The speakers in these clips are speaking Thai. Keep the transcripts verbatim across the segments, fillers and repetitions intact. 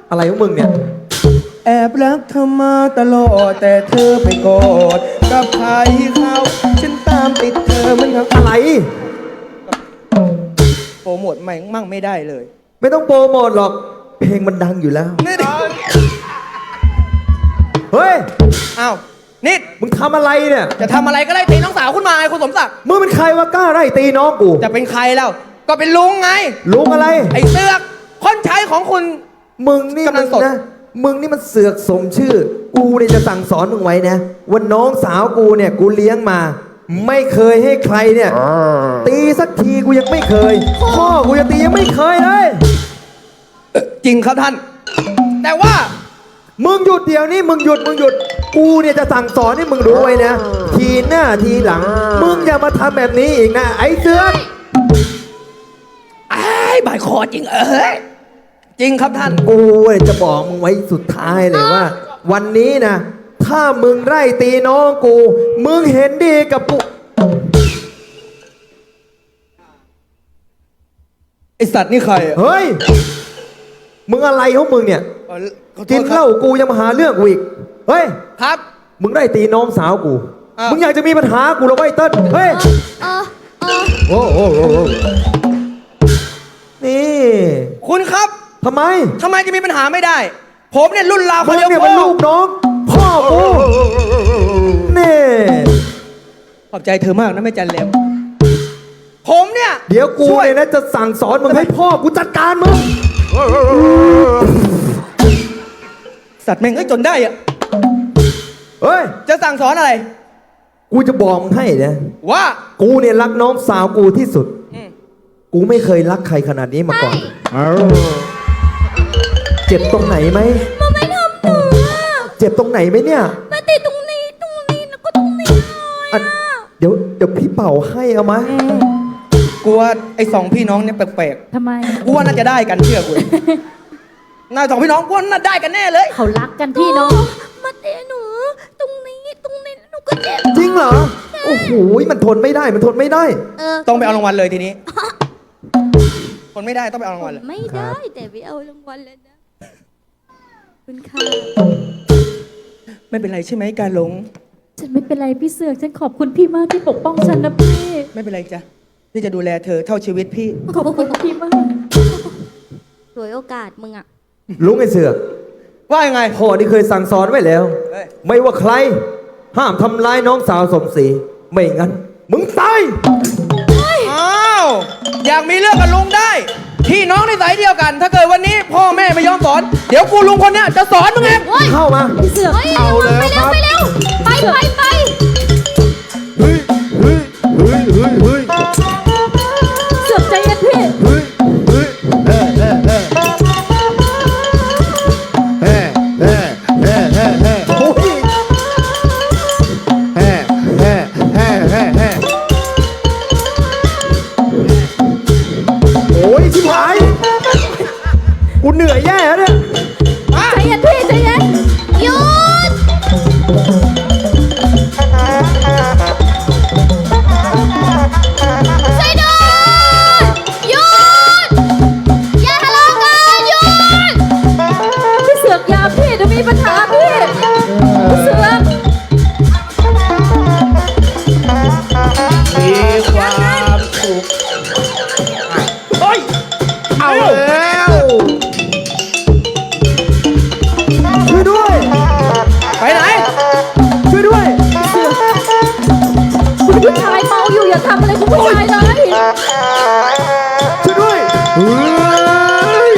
อะไรของมึงเนี่ยแอบรักเธอมาตลอดแต่เธอไปกอดกับใครเขาฉันตามติดเธอมันครับอะไรโปรโมทใหม่มั่งไม่ได้เลยไม่ต้องโปรโมทหรอกเพลงมันดังอยู่แล้วนี่เฮ้ยอ้าวนิดมึงทำอะไรเนี่ยจะทำอะไรก็ไล่ตีน้องสาวคุณมาไงคุณสมศักดิ์มึงเป็นใครวะกล้าไล่ตีน้องกูจะเป็นใครแล้วก็เป็นลุงไงลุงอะไรไอ้เสือกคนใช้ของคุณมึงนี่มันนะมึงนี่มันเสือกสมชื่อกูเนี่ยจะสั่งสอนมึงไว้นะว่าน้องสาวกูเนี่ยกูเลี้ยงมาไม่เคยให้ใครเนี่ยตีสักทีกูยังไม่เคยพ่อกูจะตียังไม่เคยเลยจริงครับท่านแต่ว่ามึงหยุดเดี๋ยวนี้มึงหยุดมึงหยุดกูเนี่ยจะสั่งสอนให้มึงรู้ไว้นะทีหน้าทีหลังมึงอย่ามาทำแบบนี้อีกนะไอ้เสือกไอ้บายคอจริงเอ้ยจริงครับท่านกูจะบอกมึงไว้สุดท้ายเลยว่าวันนี้นะถ้ามึงไล่ตีน้องกูมึงเห็นดีกับกูไอสัตว์นี่ใครเฮ้ยมึงอะไรของมึงเนี่ยกินเหล้ากูยังมาหาเรื่องกูอีกเฮ้ยครับมึงได้ตีน้องสาวกูมึงอยากจะมีปัญหากูหรอไอ้เติ้ลเฮ้ยโอ้โหนี่คุณครับทำไมทำไมจะมีปัญหาไม่ได้ผมเนี่ยรุ่นราวคนเดียวเนี่ยเป็นลูกน้องพ่อกูนี่ขอบใจเธอมากนะแม่จันเลวผมเนี่ยเดี๋ยวกูเนี่ยนะจะสั่งสอนมึงให้พ่อกูจัดการมึงสัตว์แม่งเอ้ยจนได้อะเฮ้ยจะสั่งสอนอะไรกูจะบอกมึงให้นะว่ากูเนี่ยรักน้องสาวกูที่สุดกูไม่เคยรักใครขนาดนี้มาก่อนเจ็บตรงไหนไหมมันไม่ทำหนูเจ็บตรงไหนไหมเนี่ยมาติดตรงนี้ตรงนี้แล้วก็ตรงนี้เลยเดี๋ยวเดี๋ยวพี่เป่าให้เอามากูว่าไอ้สองพี่น้องเนี่ยแปลกๆทำไมกูว่าน่าจะได้กันเชื่อกูน่าสองพี่น้องกูว่าน่าได้กันแน่เลยเขารักกันพี่น้องมาเตะหนูตรงนี้ตรงนี้หนูก็เจ็บจริงเหรอโอ้โหมันทนไม่ได้มันทนไม่ได้ต้องไปเอารางวัลเลยทีนี้ทนไม่ได้ต้องไปเอารางวัลเลยไม่ได้แต่ไปเอารางวัลเลยนะคุณค่ะไม่เป็นไรใช่ไหมการหลงฉันไม่เป็นไรพี่เสือกฉันขอบคุณพี่มากที่ปกป้องฉันนะพี่ไม่เป็นไรจ้ะที่จะดูแลเธอเท่าชีวิตพี่ขอบคุณพี่มากสวยโอกาสมึงอะลุงไอ้เสือกว่ายังไงพ่อที่เคยสั่งสอนไว้แล้วไม่ว่าใครห้ามทำร้ายน้องสาวสมศรีไม่งั้นมึงตายอ้าวอยากมีเรื่องกับลุงได้พี่น้องในสายเดียวกันถ้าเกิดวันนี้พ่อแม่ไม่ยอมสอนเดี๋ยวกูลุงคนเนี้ยจะสอนมึงเองเข้ามาพี่เสือกเอาเลยครับไปเร็วไปไปไปเฮ้ยเฮ้ยเฮ้ยเฮ้ยเฮ้ยเสือกใจเย็นพี่เฮ้ยเฮ้ยเฮ้ยเฮ้ยเฮ้ยเฮ้ยเฮ้ยเฮ้ยเฮ้ยเฮ้ยโอ้ยเฮ้ยเฮ้ยเฮ้ยเฮ้ยเฮ้ยโอ้ยชิบหายกูเหนื่อยแย่แล้วเนี่ยใจเย็นพี่ใจเย็นหยุดช่วยด้วยหยุดอย่าทะเลาะกันหยุดพี่เสือกยาพี่จะมีปัญหาพี่พี่เสือกมีความสุขเฮ้ยเอาแล้วช่วยด้วยไปไหนช่วยด้วยเสือกคุณผู้ชายเมาอยู่อย่าทำอะไรคุณผู้ชายเลยช่วยด้วยเฮ้ย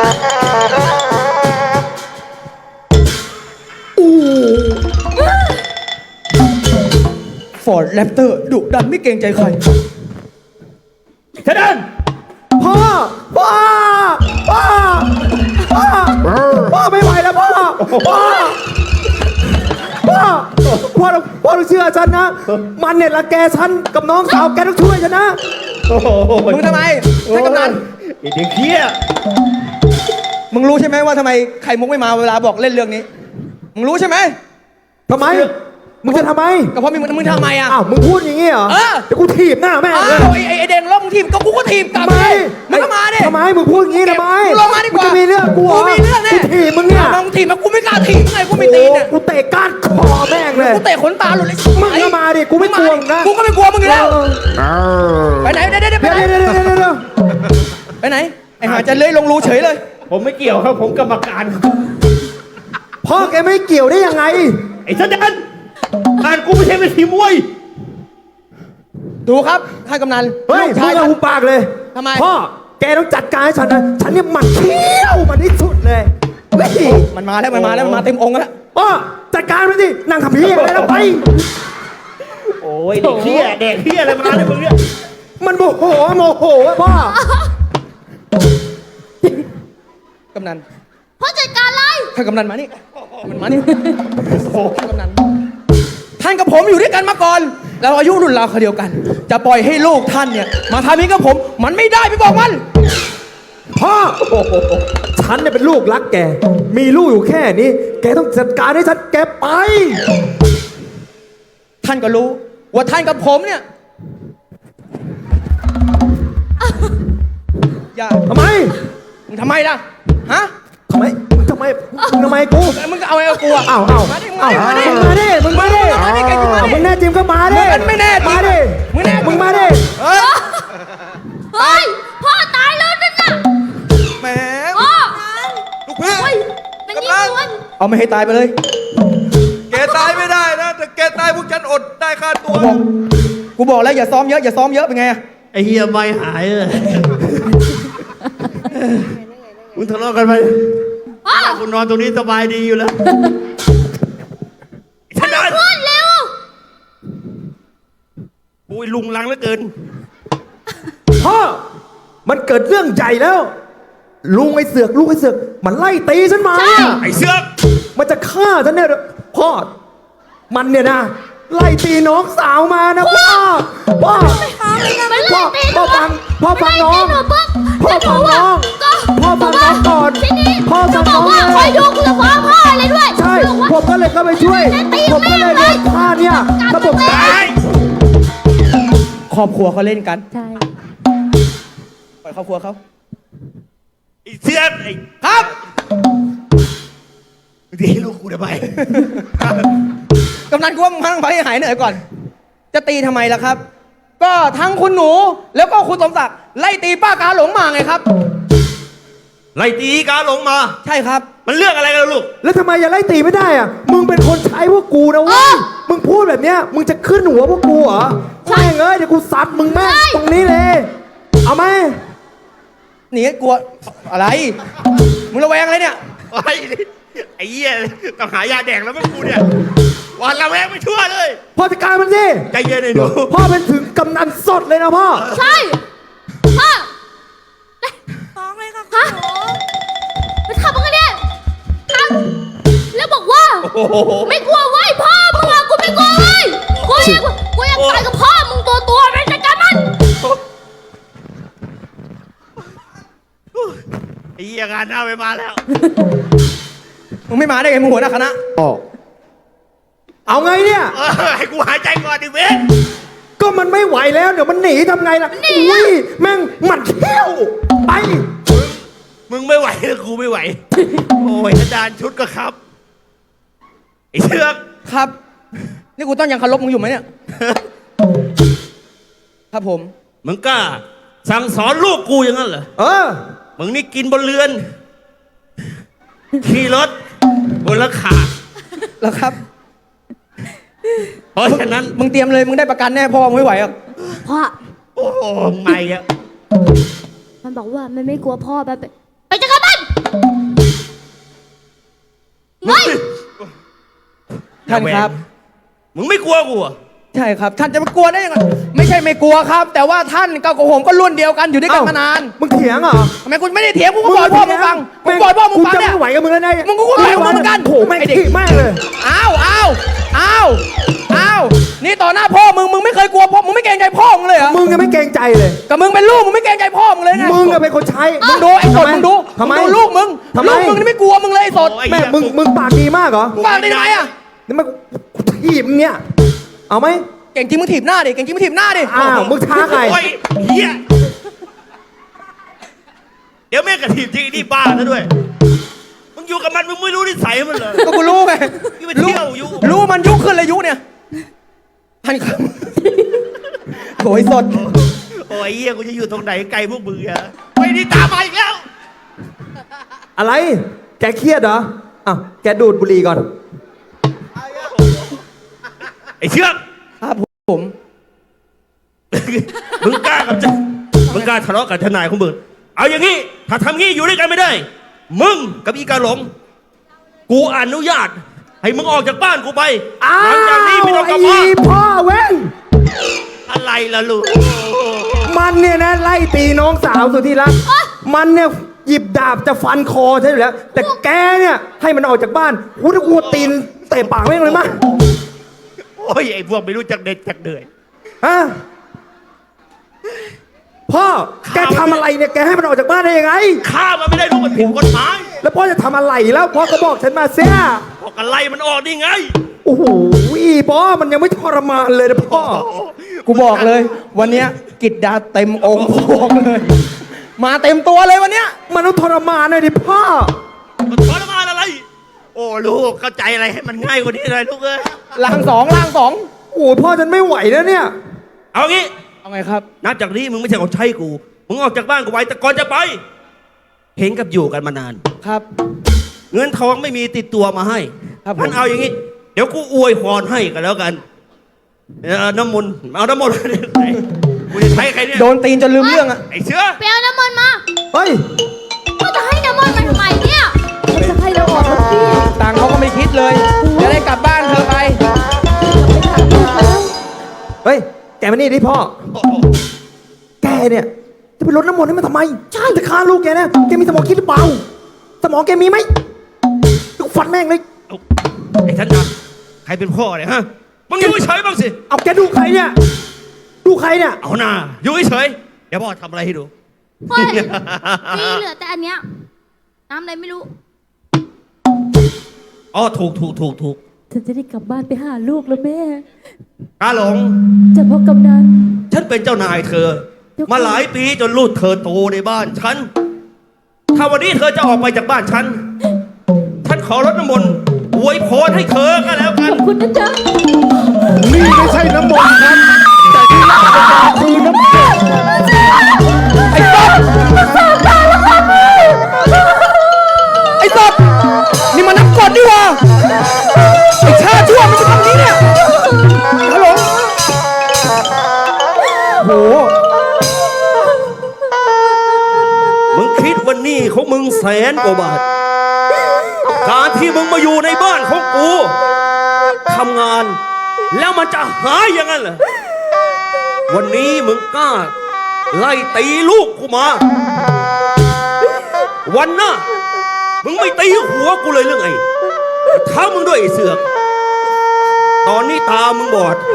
ฟอร์ดแรปเตอร์ดุดันไม่เกรงใจใครเทเดนพ่อพ่อพ่อพ่อพ่อไม่ไหวแล้วพ่อพ่อพ่อพ่อพ่อต้องเชื่อฉันนะมันเนี่ยรังแกฉันกับน้องสาวแกต้องช่วยฉันนะมึงทำไมให้กำนันไอ้เด็กเหี้ยมึงรู้ใช่ไหมว่าทำไมไข่มุกไม่มาเวลาบอกเล่นเรื่องนี้มึงรู้ใช่ไหมทำไมมึงจะทำไมก็เพราะมึงมึงทำไมอ่ะอ้าว มึงพูดอย่างงี้เหรอเออเดี๋ยวกูถีบหน้าแม่งอ้าเลยวไอ้ไอ้ไอ้เด่นล้มทีมก็กูก็ทีมกลับทำไมมึงก็มาดิทำไม มึงพูดอย่างงี้ทำไมมึงลงมาดีกว่าจะมีเรื่องกูเหรอกูมีเรื่องแน่กูถีบมึงเนี่ยมึงทีมแล้วกูไม่กล้าทีมไงกูไม่ตีนเนี่ยโอ้โหกูเตะก้านคอแม่งเลยกูเตะขนตาหลุดเลยมึงก็มาดิกูไม่กลัวมึงนะกูก็ไม่กลัวมึงอยู่แล้วเออไปไหนเดี๋ยวเดี๋ยวไปเดี๋ยวไหนเดี๋ยวเดี๋ยวเดี๋ยวเดี๋ยวไปไหนไอ้หาจะเลื้อยลงรูเฉยเลยผมไม่เกี่ยวครับผมกรรมการพ่อแกไม่เกี่ยวได้ยังไงไอ้แสดงอ่านกูไม่ใช่เป็นทีมมวยดูครับท่านกำนันเฮ้ยลูกพูชาดยกับท่านหูปากเลยทำไมพ่อ แกต้องจัดการให้ฉันนะ ฉันเนี่ยหมันเที่ยวมันที่สุดเลยเฮ้ยมันมาแล้วมันมาแล้วมันมาเต็มองค์แล้วพ่อจัดการมันสินั่งทำพี่อะไรแล้วไปโอ้ยเด็กเที่ยเด็กเที่ยอะไรมาเนี่ยมึงเนี่ยมันโมโหโมโหอะพ่อกำนันพ่อจัดการเลยท่านกำนันมานี่มันมานี่โอ้ท่านกำนันท่านกับผมอยู่ด้วยกันมาก่อนเราอายุรุ่นราวเขาวเดียวกัน จะปล่อยให้ลูกท่านเนี่ยมาทำนี้กับผม มันไม่ได้ไปบอกมันพ่อ ฉันเนี่ยเป็นลูกรักแก มีลูกอยู่แค่นี้ แกต้องจัดการให้ฉันแกไปท่านก็รู้ ว่าท่านกับผมเนี่ยอย่าทำไมมึงทำไมล่ะฮะทำไมทำไมทำไมกูมึงก็เอาไอ้กูอะอ้าวอ้าวมาดิอ้าวมาดิมึงมาดิมึงมาดิมาดิแกกูมาดิมึงแน่จริงก็มาดิมึงไม่แน่จริงมาดิมึงแน่จริงมึงมาดิเอ้ยเฮ้ย พ่อตายแล้วนั่นน่ะแหมพ่อลูกพี่เฮ้ยมันยิงสวนเอาไม่ให้ตายไปเลยแกตายไม่ได้นะแต่แกตายพวกฉันอดได้ค่าตัวกูบอกกูบอกแล้วอย่าซ้อมเยอะอย่าซ้อมเยอะเป็นไงอะไอ้เฮียไม่หายเลยมึงทะเลาะกันไปพ่อกูนอนตรงนี้สบายดีอยู่แล้วแสดงพูดเร็วอุ้ยลุงลังเหลือเกินพ่อ มันเกิดเรื่องใหญ่แล้ว ลุงไอ้เสือกลุงไอ้เสือกมันไล่ตีฉันมาใช่ไอ้เสือกมันจะฆ่าฉันเนี่ยพ่อ มันเนี่ยนะไล่ตีน้องสาวมานะพ่อ พ่อมันพ่อไล่ตีหพ่นูอฟังพ่อฟังน้องมันไล่ตีหปุ๊บพ่อฟังน้องก็พ่อฟังน้องก่อนทีนี้พ่อฟังจะบน้ออก งว่าเลยคอยดูกูจะฟ้องพ่อเลยด้วยใช่บอกว่าผมก็เลยเข้าไปช่วยตีผมก็เลยแม่โดงนเลยฆ่าเนี่ยระบบกัดตายครอบครัวเขาเล่นกันใช่ปล่อยครอบครัวเขาไอ้เสือกไอ้ครับดีลูกกูทำไมกำนันกูว่ามึงพังไปให้หายเหนื่อยก่อน จะตีทำไมล่ะครับ ก็ทั้งคุณหนูแล้วก็คุณสมศักดิ์ไล่ตีป้ากาหลงมาไงครับไล่ตีกาหลงมาใช่ครับมันเรื่องอะไรกันล่ะลูกแล้วทำไมอย่าไล่ตีไม่ได้อะมึงเป็นคนใช้พวกกูนะเว้ยมึงพูดแบบเนี้ยมึงจะขึ้นหัวพวกกูเหรอแม่งเอ้ยเดี๋ยวกูซัดมึงแม่งตรงนี้เลย เอาไหมหนีกลัวอะไร มึงระแวงอะไรเนี่ยไอ้ไอ้เหี้ยต้องหายาแดงแล้วมั้งกูเนี่ยวันละแวงไม่ชั่วเลยพ่อจัดการมันสิใจเย็นหน่อยหนูพ่อเป็นถึงกำนันสดเลยนะพ่อใช่พ่อฟ้องเลยค่ะฮะไปทำอะไรเนี่ยทำแล้วบอกว่าโอ้โหไม่กลัวเว้ยพ่อมึงอะกูไม่กลัวเว้ยกูยังกูยังตายกับพ่อมึงตัวตัวๆไปจัดการมันไอ้เหี้ยงานหน้าไปมาแล้วมึงไม่มาได้ไงมึงหัวหน้าคณะเอาไงเนี่ยเออให้กูหายใจก่อนดิเว้ยก็มันไม่ไหวแล้วเดี๋ยวมันหนีทำไงล่ะอุ้ยแม่งหมัดเขี้ยวไปมึงไม่ไหวแล้วกูไม่ไหว โอ้ยอาจารย์ชุดก็ครับ ไอ้เชือกครับ นี่กูต้องยังเคารพมึงอยู่ไหมเนี่ย ครับผมมึงกล้าสั่งสอนลูกกูอย่างนั้นเหรอเออมึงนี่กินบนเรือน ขี่รถบนราคาแล้วครับเพราะฉะนั้นมึงเตรียมเลย มึงได้ประกันแน่พ่อมึงไม่ไหวหรอกพ่อโอ้โหไม่อะมันบอกว่ามันไม่กลัวพ่อแบบไปจัดการมันเฮ้ยท่านครับมึงไม่กลัวกูเหรอใช่ครับ ท่านจะมากลัวได้ยังไง ไม่ใช่ไม่กลัวครับ แต่ว่าท่านกับผมก็รุ่นเดียวกันอยู่ด้วยกันเอ้ามมานานมึงเถียงเหรอทำไมคุณไม่ได้เถียงกูก็บอกพ่อมึงฟังกูบอกพ่อมึงฟังกูจะเนี่ยไม่ไหวกับมึงแล้วนะมึงก็ไม่ไหวกับมึงเหมือนกันโถแม่งไอ้เด็กขี้แม่งเลยอ้าวอ้าวอ้าวอ้าวนี่ต่อหน้าพ่อมึง มึงไม่เคยกลัวพ่อ มึงไม่เกรงใจพ่อมึงเลยเหรอมึงยังไม่เกรงใจเลยกับมึงเป็นลูก มึงไม่เกรงใจพ่อมึงเลยไงมึงอะเป็นคนใช้มึงดูไอ้สดมึงดูทำไมงดูลูกมึงทำไมลูกมึงนี่ไม่กลัวมึงเลยไอ้สดโอ้ยแม่มึงมึงปากดีมากเหรอฟังได้ไหมอ่ะนี่มันกูถีถีบเนี่ย เอาไหมเก่งจริงมึงถีบหน้าดิ เก่งจริงมึงถีบหน้าดิอ้าวมึงช้าไงโอ้ยเฮียเดี๋ยวแม่งกระถีบจริงนี่บ้าซะด้วย มึงอยู่กับมันมึงไม่รู้นิสัยมันเลยก็กูรู้ไงนี่ไปเที่ยวอยู่รู้มันยุขึ้นเลยยุเนี่ยพันคำโถยสดโอ้ยเฮียกูจะอยู่ตรงไหนไกลพวกมึงอะไปนี่ตามมาอีกแล้วอะไร แกเครียดเหรอ อ้าว แกดูดบุหรี่ก่อนไอ้เชือกครับผมมึงกล้ากับจะมึงกล้าทะเลาะกับทนายของมึง เอาอย่างนี้ถ้าทำงี้อยู่ด้วยกันไม่ได้ มึงกับอีกาหลง กูอนุญาต ให้มึงออกจากบ้านกูไปอ้าวหลังจากนี้ไม่ต้องกลับมาไอ้พ่อเว้งอะไรล่ะลูกมันเนี่ยนะไล่ตีน้องสาวสุดที่รัก มันเนี่ยหยิบดาบจะฟันคอใช่อยู่แล้ว แต่แกเนี่ยให้มันออกจากบ้านกูถ้ากูตีนเตะปากแม่งเลยมั้ยโอ้ยไอ้พวกไม่รู้จักเด็ดจักเดือยฮะ พ่อ แกทำอะไรเนี่ย แกให้มันออกจากบ้านได้ยังไงฆ่ามันไม่ได้รู้มันผิดกฎหมายแล้วพ่อจะทำอะไรแล้วพ่อก็บอกฉันมาเสียพวกกันไล่มันออกนี่ไงโอ้โหพ่อมันยังไม่ทรมานเลยนะพ่อกูบอกเลย วันเนี้ยกิจดาเต็มองค์บอกเลย มาเต็มตัวเลยวันเนี้ยมันต้องทรมานหน่อยดิพ่อมันทรมานอะไร โอ้ลูกเข้าใจอะไรให้มันง่ายกว่านี้หน่อยลูกเอ้ยล่างสองล่างสองโอ้โหพ่อฉันไม่ไหวแล้วเนี่ยเอางี้เอาไงครับนับจากนี้มึงไม่ใช่ของใช้กู มึงออกจากบ้านกูไว้แต่ก่อนจะไป เห็นกับอยู่กันมานานครับเงินทองไม่มีติดตัวมาให้ครับผมงั้นเอาอย่างนี้ เดี๋ยวกูอวยพรให้กันแล้วกันเอ่อน้ำมนต์เอาน้ำมนต์ ไหนกูจะใช้ใครเนี่ยโดนตีนจนลืมเรื่องอะไอ้เชื้อไปเอาน้ำมันต์มาเฮ้ยก็จะให้น้ำมันต์มาทำไมเนี่ยจะให้เราออกมาพี่ต่างค์เขาก็ไม่คิดเลย จะได้กลับบ้านเธอไปเฮ้ย แกมานี่ดิพ่อ แกเนี่ยจะไปรดน้ำมนต์ให้มันทำไม ใช่จะฆ่าลูกแกนะแกมีสมองคิดหรือเปล่า สมองแกมีไหมกูฟันแม่งเลยเอาไอ้ท่านนะใครเป็นพ่อเนี่ยฮะ มึงอยู่เฉยๆบ้างสิเอาแกดูใครเนี่ย ดูใครเนี่ยเอาหน้าอยู่เฉยๆเดี๋ยวพ่อทำอะไรให้ดูเฮ้ยมีเหลือแต่อันเนี้ยน้ำอะไรไม่รู้อ๋อถูกถูกถูกถูกฉันจะได้กลับบ้านไปหาลูกแล้วแม่กาหลงจะพ่อกำนันฉันเป็นเจ้านายเธอ มาหลายปีจนลูกเธอโตในบ้านฉัน ถ้าวันนี้เธอจะออกไปจากบ้านฉัน ฉันขอรดน้ำมนต์อวยพรให้เธอก็แล้วกันขอบคุณนะจ๊ะนี่ไม่ใช่น้ำมนต์ครับแต่ที่น่าเป็นการคือน้ำเกลือไอ้สดไอ้สดนี่มันน้ำกรดนี่หว่าไอ้ชาชั่วมันจะทำนี้เนี่ยฮัลโหลโหมึงคิดวันนี้ของมึงแสนกว่าบาท การที่มึงมาอยู่ในบ้านของกูทำงาน แล้วมันจะหายอย่างนั้นเหรอ วันนี้มึงกล้า ไล่ตีลูกกูมา วันหน้ามึงไม่ตีหัวกูเลยเรื่องไอ้ท้ามึงด้วยไอ้เสือก ตอนนี้ตามึงบอด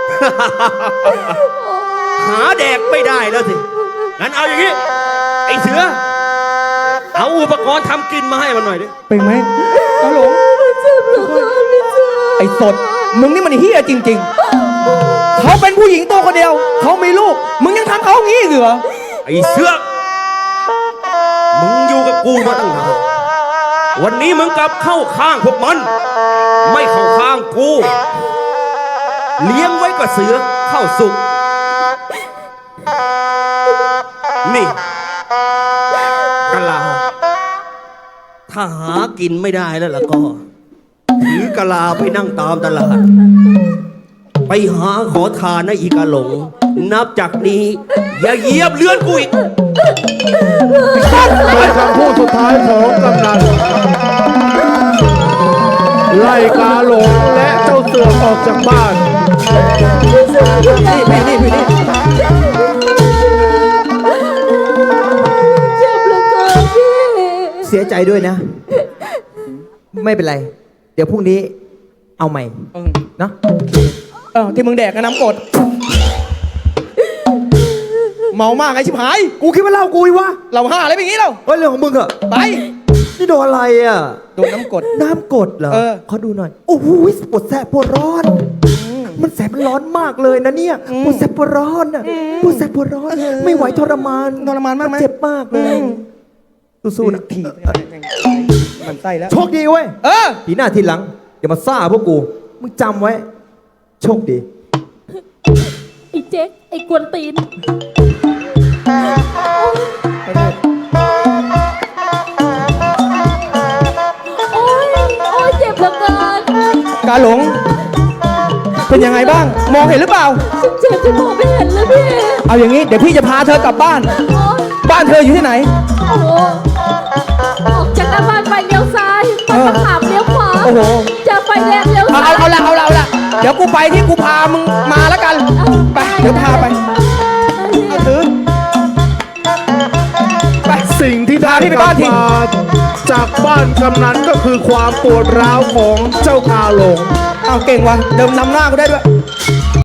หาแดกไม่ได้แล้วสิ งั้นเอาอย่างนี้ ไอ้เสือ เอาอุปกรณ์ทำกินมาให้มันหน่อยดิเป็นไหมฮัลโหลไอ้สด มึงนี่มันเฮี้ยจริง ๆ เขาเป็นผู้หญิงตัวคนเดียว เขามีลูก มึงยังทำเขาอย่างนี้อีกเหรอไอ้เสือก มึงอยู่กับกูมาตั้งนาน วันนี้มึงกลับเข้าข้างพวกมัน ไม่เข้าข้างกู เลี้ยงไว้กับเสือเข้าสุก นี่กะลา ถ้าหากินไม่ได้แล้วล่ะก็ ถือกะลาไปนั่งตามตลาด ไปหาขอทานนะอีกาหลง นับจากนี้ อย่าเหยียบเลือนกูอีกเป็นคำพูดสุดท้ายของกำนันไล่กาหลงและเจ้าเสือกออกจากบ้านนี่พี่นี่พี่นี่เจ็บเหลือเกินพี่เสียใจด้วยนะ ไม่เป็นไร เดี๋ยวพรุ่งนี้เอาใหม่เออเนอะเออที่มึงแดกกับน้ำกรดเมามากไอ้ชิบหายกูคิดว่าเล่ากูอีกวะเราห้าอะไรเป็นอย่างนี้เราเฮ้ยเรื่องของมึงเหอะไปนี่โดนอะไรอ่ะโดนน้ำกรดน้ำกรดเหรอเออขอดูหน่อย โอ้โหปวดแสบปวดร้อน มันแสบมันร้อนมากเลยนะเนี่ยปวดแสบปวดร้อนอ่ะปวดแสบปวดร้อน ไม่ไหวทรมานทรมานมากไหมเจ็บมากเลยสู้ๆนะถีบมันไส้แล้วโชคดีเว้ยเออทีหน้าทีหลังอย่ามาซ่าพวกกู มึงจำไว้ โชคดีไอ้เจ๊กไอ้กวนตีน โอ๊ย โอ๊ย เจ็บเหลือเกินกาหลง เป็นยังไงบ้าง มองเห็นหรือเปล่าฉันเจ็บจนมองไม่เห็นเลยพี่เอาอย่างนี้ เดี๋ยวพี่จะพาเธอกลับบ้านโอ๊ยบ้านเธออยู่ที่ไหนโอ้โห ออกจากหน้าบ้านไปเลี้ยวซ้ายไปมะขามเลี้ยวขวาโอ้โหเจอไฟแดงเลี้ยวเอาซ้าเอายเอาละเอาละเอาละเดี๋ยวกูไปที่กูพามึงมาแล้วกัน ไป เดี๋ยวพาไปเอาถือ ไปสิ่งที่ได้พาพี่ไปบ้านทีกลัมาจากบ้านกำนันก็คือความปวดร้าวของเจ้ากาหลงเอาเก่งว่ะ เดิมนำหน้ากูได้ด้วยเ